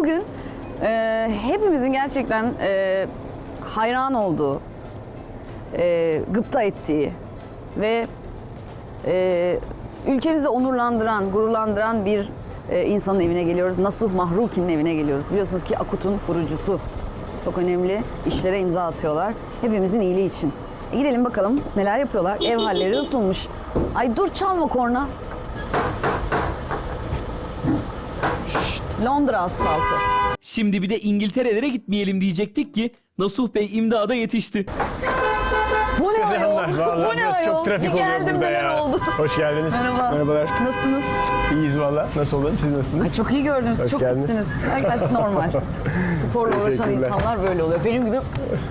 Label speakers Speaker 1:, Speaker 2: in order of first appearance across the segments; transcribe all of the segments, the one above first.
Speaker 1: bugün hepimizin gerçekten hayran olduğu, gıpta ettiği ve ülkemizi onurlandıran, gururlandıran bir insanın evine geliyoruz. Nasuh Mahruki'nin evine geliyoruz. Biliyorsunuz ki Akut'un kurucusu. Çok önemli işlere imza atıyorlar. Hepimizin iyiliği için. Gidelim bakalım neler yapıyorlar. Ev halleri ısınmış. Ay dur çalma korna. Londra asfaltı.
Speaker 2: Şimdi bir de İngiltere'lere gitmeyelim diyecektik ki Nasuh Bey imdada yetişti.
Speaker 1: Bu ne ayol?
Speaker 3: Vallahi
Speaker 1: Bu ne
Speaker 3: biraz
Speaker 1: ayol?
Speaker 3: çok trafik
Speaker 1: Bir
Speaker 3: oluyor
Speaker 1: geldim
Speaker 3: burada
Speaker 1: neler
Speaker 3: ya.
Speaker 1: oldu?
Speaker 3: Hoş geldiniz.
Speaker 1: Merhaba.
Speaker 3: Merhabalar.
Speaker 1: Nasılsınız?
Speaker 3: İyiyiz valla. Nasıl olalım? Siz nasılsınız?
Speaker 1: Ay çok iyi gördünüz.
Speaker 3: Hoş
Speaker 1: Çok
Speaker 3: geldiniz.
Speaker 1: fitsiniz. Gerçekten normal. Sporla uğraşan
Speaker 3: Teşekkürler.
Speaker 1: insanlar böyle oluyor. Benim gibi...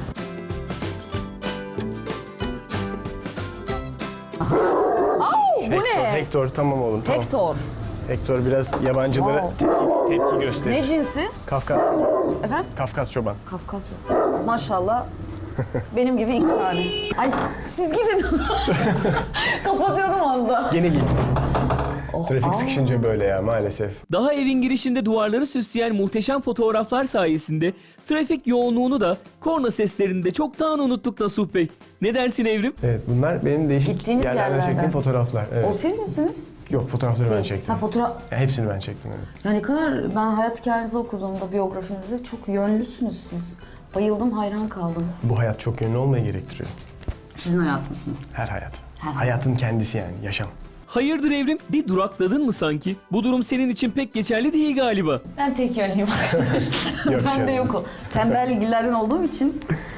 Speaker 1: Au, bu ne?
Speaker 3: Hector tamam oğlum tamam.
Speaker 1: Hector.
Speaker 3: Hector biraz yabancılara tepki gösterir.
Speaker 1: Ne cinsi?
Speaker 3: Kafkas.
Speaker 1: Efendim?
Speaker 3: Kafkas çoban.
Speaker 1: Kafkasya. Maşallah. Benim gibi iki tane. Ay siz gidin. Kapatıyordum az da.
Speaker 3: Gene git.
Speaker 1: Oh,
Speaker 3: Trafik sıkışınca böyle ya maalesef.
Speaker 2: Daha evin girişinde duvarları süsleyen muhteşem fotoğraflar sayesinde trafik yoğunluğunu da korna seslerini de çoktan unuttuk Nasuh Bey. Ne dersin Evrim?
Speaker 3: Evet bunlar benim değişik
Speaker 1: Gittiğiniz
Speaker 3: yerlerden
Speaker 1: yerlerden.
Speaker 3: çektiğim fotoğraflar.
Speaker 1: O
Speaker 3: Evet.
Speaker 1: siz misiniz?
Speaker 3: Yok fotoğrafları ben çektim.
Speaker 1: Ha fotoğraf...
Speaker 3: Yani hepsini ben çektim. Evet.
Speaker 1: Ya ne kadar ben hayat hikayenizi okuduğumda biyografinizi çok yönlüsünüz siz. Bayıldım, hayran kaldım.
Speaker 3: Bu hayat çok yönlü olmayı gerektiriyor.
Speaker 1: Sizin hayatınız mı?
Speaker 3: Her hayat.
Speaker 1: Her
Speaker 3: Hayatın kendisi yani yaşam.
Speaker 2: Hayırdır Evrim? Bir durakladın mı sanki? Bu durum senin için pek geçerli değil galiba.
Speaker 1: Ben tek yönlüyüm.
Speaker 3: Yok
Speaker 1: Ben de
Speaker 3: canım.
Speaker 1: yok o. Tembel ilgilerden olduğum için.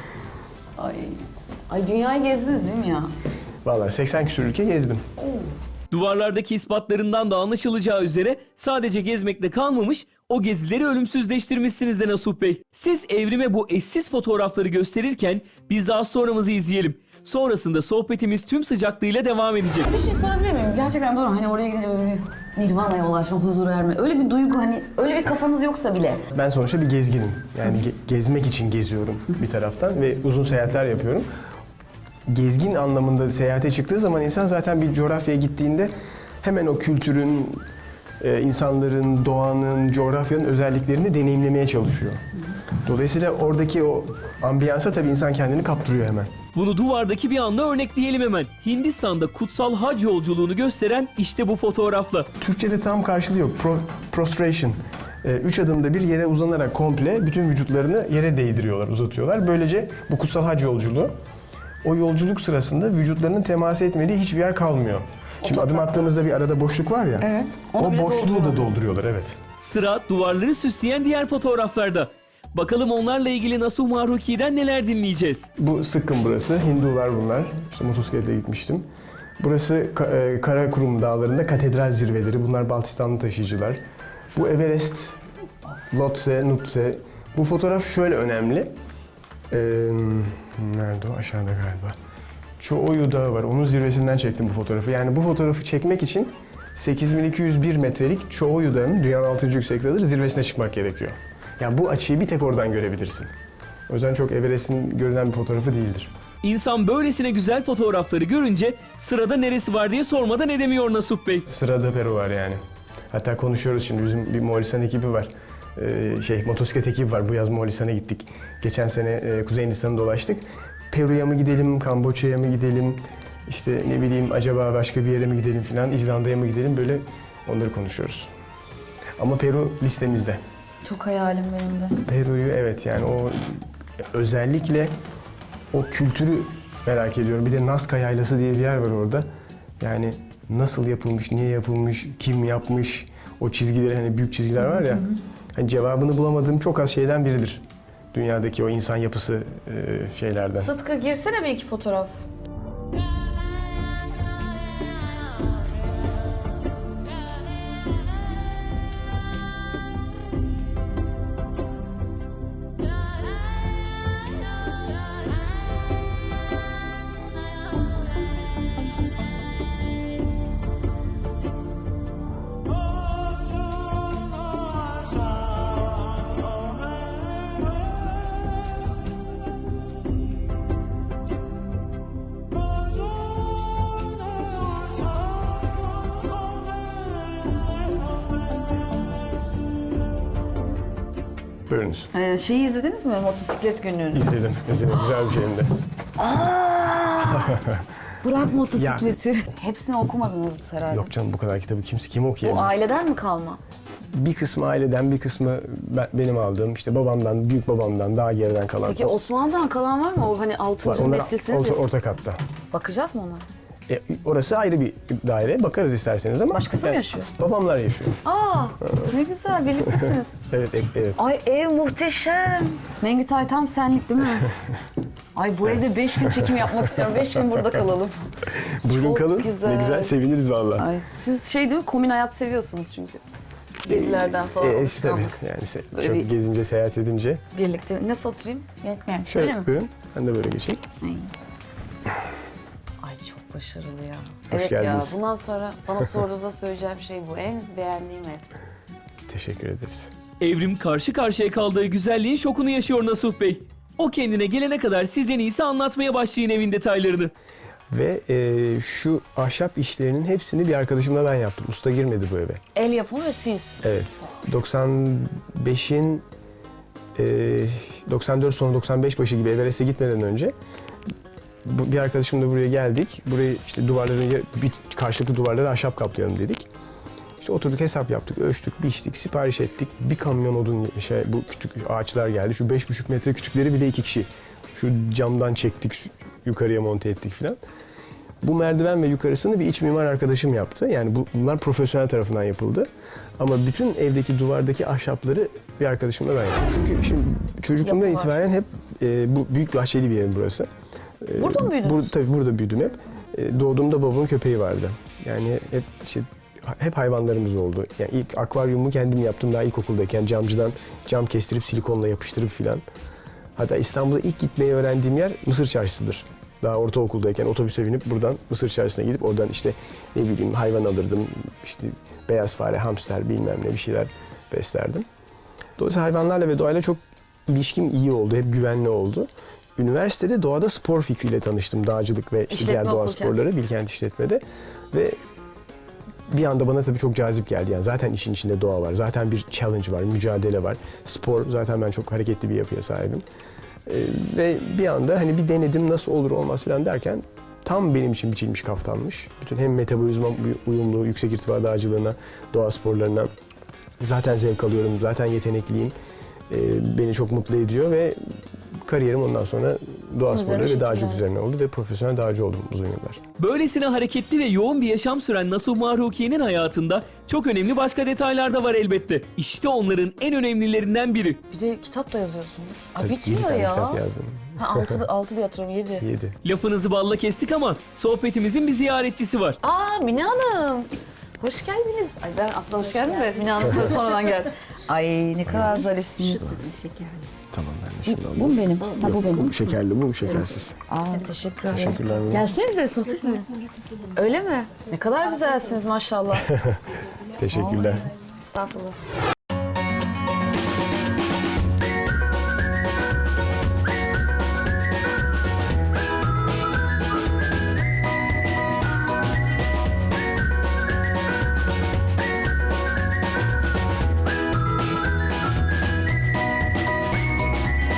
Speaker 1: Ay dünyayı gezdiniz değil mi ya?
Speaker 3: Vallahi 80 küsur ülke gezdim.
Speaker 2: Duvarlardaki ispatlarından da anlaşılacağı üzere sadece gezmekle kalmamış, o gezileri ölümsüzleştirmişsiniz de Nasuh Bey. Siz Evrim'e bu eşsiz fotoğrafları gösterirken biz daha sonramızı izleyelim. Sonrasında sohbetimiz tüm sıcaklığıyla devam edecek.
Speaker 1: Bir şey sorabilir miyim? Gerçekten doğru. Hani oraya gidince böyle bir nirvana'ya ulaşma, huzur erme. Öyle bir duygu hani öyle bir kafanız yoksa bile.
Speaker 3: Ben sonuçta bir gezginim. Yani gezmek için geziyorum bir taraftan ve uzun seyahatler yapıyorum. Gezgin anlamında seyahate çıktığı zaman insan zaten bir coğrafyaya gittiğinde hemen o kültürün, insanların, doğanın, coğrafyanın özelliklerini deneyimlemeye çalışıyor. Dolayısıyla oradaki o ambiyansa tabii insan kendini kaptırıyor hemen.
Speaker 2: Bunu duvardaki bir anla örnekleyelim hemen. Hindistan'da kutsal hac yolculuğunu gösteren işte bu fotoğrafla.
Speaker 3: Türkçe'de tam karşılığı yok. Prostration. 3 adımda bir yere uzanarak komple bütün vücutlarını yere değdiriyorlar, uzatıyorlar. Böylece bu kutsal hac yolculuğu, o yolculuk sırasında vücutlarının temas etmediği hiçbir yer kalmıyor. Şimdi adım attığımızda bir arada boşluk var ya,
Speaker 1: Evet. Onu
Speaker 3: o
Speaker 1: bile
Speaker 3: boşluğu da dolduruyorlar, evet.
Speaker 2: Sıra duvarları süsleyen diğer fotoğraflarda. Bakalım onlarla ilgili Nasuh Mahruki'den neler dinleyeceğiz.
Speaker 3: Bu Sıkkın burası, Hindular bunlar. İşte motosikletle gitmiştim. Burası Karakurum Dağları'nda katedral zirveleri. Bunlar Baltistanlı taşıyıcılar. Bu Everest, Lhotse, Nutse. Bu fotoğraf şöyle önemli. Nerede o? Aşağıda galiba. Çoğuyu Dağı var. Onun zirvesinden çektim bu fotoğrafı. Yani bu fotoğrafı çekmek için 8201 metrelik Çoğuyu Dağı'nın dünyanın 6. yüksekliğidir. Zirvesine çıkmak gerekiyor. Yani bu açıyı bir tek oradan görebilirsin. O yüzden çok Everest'in görünen bir fotoğrafı değildir.
Speaker 2: İnsan böylesine güzel fotoğrafları görünce sırada neresi var diye sormadan edemiyor Nasuh Bey.
Speaker 3: Sırada Peru var yani. Hatta konuşuyoruz şimdi. Bizim bir Moğolistan ekibi var. Motosiklet ekibi var. Bu yaz Moğolistan'a gittik. Geçen sene Kuzey Hindistan'ı dolaştık. Peru'ya mı gidelim, Kamboçya'ya mı gidelim, işte ne bileyim acaba başka bir yere mi gidelim filan, İzlanda'ya mı gidelim, böyle onları konuşuyoruz. Ama Peru listemizde.
Speaker 1: Çok hayalim benim de.
Speaker 3: Peru'yu evet yani o özellikle o kültürü merak ediyorum. Bir de Nazca Yaylası diye bir yer var orada. Yani nasıl yapılmış, niye yapılmış, kim yapmış, o çizgiler hani büyük çizgiler var ya. Hani cevabını bulamadığım çok az şeyden biridir. Dünyadaki o insan yapısı şeylerden.
Speaker 1: Sıtkı girsene bir iki fotoğraf.
Speaker 3: Buyurunuz.
Speaker 1: Şeyi izlediniz mi? Motosiklet gününü.
Speaker 3: İzledim. Güzel bir filmdi.
Speaker 1: Bırak motosikleti. Hepsini okumadınız herhalde.
Speaker 3: Yok canım, bu kadar kitabı kim
Speaker 1: Bu
Speaker 3: okuyabilir?
Speaker 1: aileden mi kalma?
Speaker 3: Bir kısmı aileden, bir kısmı benim aldığım, işte babamdan, büyük babamdan, daha geriden kalan.
Speaker 1: Peki Osmanlı'dan kalan var mı? O hani 6.
Speaker 3: Var, onlar
Speaker 1: nesilsiniz.
Speaker 3: orta katta.
Speaker 1: Bakacağız mı ona?
Speaker 3: Orası ayrı bir daire. Bakarız isterseniz ama.
Speaker 1: Başkası mı yaşıyor?
Speaker 3: Babamlar yaşıyor.
Speaker 1: Aa, ne güzel, birliktesiniz.
Speaker 3: Evet, evet.
Speaker 1: Ay ev muhteşem. Mengütay tam senlik değil mi? Ay bu evde 5 gün çekim yapmak istiyorum. 5 gün burada kalalım.
Speaker 3: Buyurun
Speaker 1: Çok
Speaker 3: kalın.
Speaker 1: güzel.
Speaker 3: Ne güzel, seviniriz vallahi.
Speaker 1: Ay, siz şey değil mi? Komün hayat seviyorsunuz çünkü. Gezilerden falan.
Speaker 3: Tabii.
Speaker 1: alışkanlık.
Speaker 3: Yani
Speaker 1: Böyle
Speaker 3: çok
Speaker 1: bir-
Speaker 3: gezince, seyahat edince.
Speaker 1: Birlikte. Nasıl oturayım? Yönetmenim. Öyle mi?
Speaker 3: Şöyle buyurun. Ben de böyle geçeyim.
Speaker 1: Ay çok başarılı ya.
Speaker 3: Hoş
Speaker 1: evet
Speaker 3: geldiniz.
Speaker 1: ya. Bundan sonra bana sorduğunuzda söyleyeceğim şey bu. En beğendiğim ev.
Speaker 3: Teşekkür ederiz.
Speaker 2: Evrim karşı karşıya kaldığı güzelliğin şokunu yaşıyor Nasuh Bey. O kendine gelene kadar siz en iyisi anlatmaya başlayın evin detaylarını.
Speaker 3: Ve şu ahşap işlerinin hepsini bir arkadaşımla ben yaptım. Usta girmedi bu eve.
Speaker 1: El yapımı ve siz.
Speaker 3: Evet. 95'in 94 sonu 95 başı gibi Everest'e gitmeden önce bir arkadaşımla buraya geldik. Burayı işte karşılıklı duvarları ahşap kaplayalım dedik. İşte oturduk, hesap yaptık, ölçtük, biçtik, sipariş ettik. Bir kamyon odun bu kütük ağaçlar geldi. Şu 5,5 metre kütükleri bile 2 kişi. Şu camdan çektik, yukarıya monte ettik filan. Bu merdiven ve yukarısını bir iç mimar arkadaşım yaptı. Yani bunlar profesyonel tarafından yapıldı. Ama bütün evdeki duvardaki ahşapları bir arkadaşımla ben yaptım. Çünkü şimdi çocukluğumdan
Speaker 1: Yapı var.
Speaker 3: itibaren hep bu büyük bahçeli bir ev burası.
Speaker 1: Burada mı büyüdünüz?
Speaker 3: Tabii burada büyüdüm hep. Doğduğumda babamın köpeği vardı. Yani hep hayvanlarımız oldu. Yani ilk akvaryumu kendim yaptım daha ilkokuldayken, camcıdan cam kestirip silikonla yapıştırıp filan. Hatta İstanbul'a ilk gitmeyi öğrendiğim yer Mısır Çarşısı'dır. Daha ortaokuldayken otobüse binip buradan Mısır Çarşısı'na gidip oradan işte ne bileyim hayvan alırdım. İşte beyaz fare, hamster bilmem ne bir şeyler beslerdim. Dolayısıyla hayvanlarla ve doğayla çok ilişkim iyi oldu. Hep güvenli oldu. Üniversitede doğada spor fikriyle tanıştım. Dağcılık ve işte diğer
Speaker 1: İşletme
Speaker 3: doğa
Speaker 1: okurken.
Speaker 3: sporları Bilkent İşletme'de. Ve bir anda bana tabii çok cazip geldi. Yani zaten işin içinde doğa var. Zaten bir challenge var, mücadele var. Spor, zaten ben çok hareketli bir yapıya sahibim. Ve bir anda hani bir denedim nasıl olur olmaz falan derken tam benim için biçilmiş kaftanmış. Bütün hem metabolizma uyumlu, yüksek irtifa dağcılığına, doğa sporlarına zaten zevk alıyorum, zaten yetenekliyim. Beni çok mutlu ediyor ve kariyerim ondan sonra doğa sporları ve dağcılık üzerine oldu ve profesyonel dağcı oldum uzun yıllar.
Speaker 2: Böylesine hareketli ve yoğun bir yaşam süren Nasuh Mahrukiye'nin hayatında çok önemli başka detaylar da var elbette. İşte onların en önemlilerinden biri.
Speaker 1: Bir de kitap da yazıyorsunuz. Ay
Speaker 3: Tabii 7
Speaker 1: bitmiyor
Speaker 3: tane
Speaker 1: ya.
Speaker 3: kitap yazdım.
Speaker 1: Ha 6 diye hatırlıyorum 7.
Speaker 3: 7.
Speaker 2: Lafınızı balla kestik ama sohbetimizin bir ziyaretçisi var.
Speaker 1: Aa Mine Hanım. Hoş geldiniz. Ay ben aslında hoş geldim de Mine Hanım tabii sonradan geldi. Ay ne kadar zarifsiniz.
Speaker 4: Sizin şekerli.
Speaker 3: Tamam, ben de şunu alayım.
Speaker 1: Bu mu benim? Ha bu benim.
Speaker 3: Bu şekerli, bu şekersiz.
Speaker 1: Aa teşekkür ederim.
Speaker 3: Teşekkürler.
Speaker 1: Gelsenize sohbet mi? Öyle mi? Ne kadar güzelsiniz maşallah.
Speaker 3: Teşekkürler.
Speaker 1: Estağfurullah.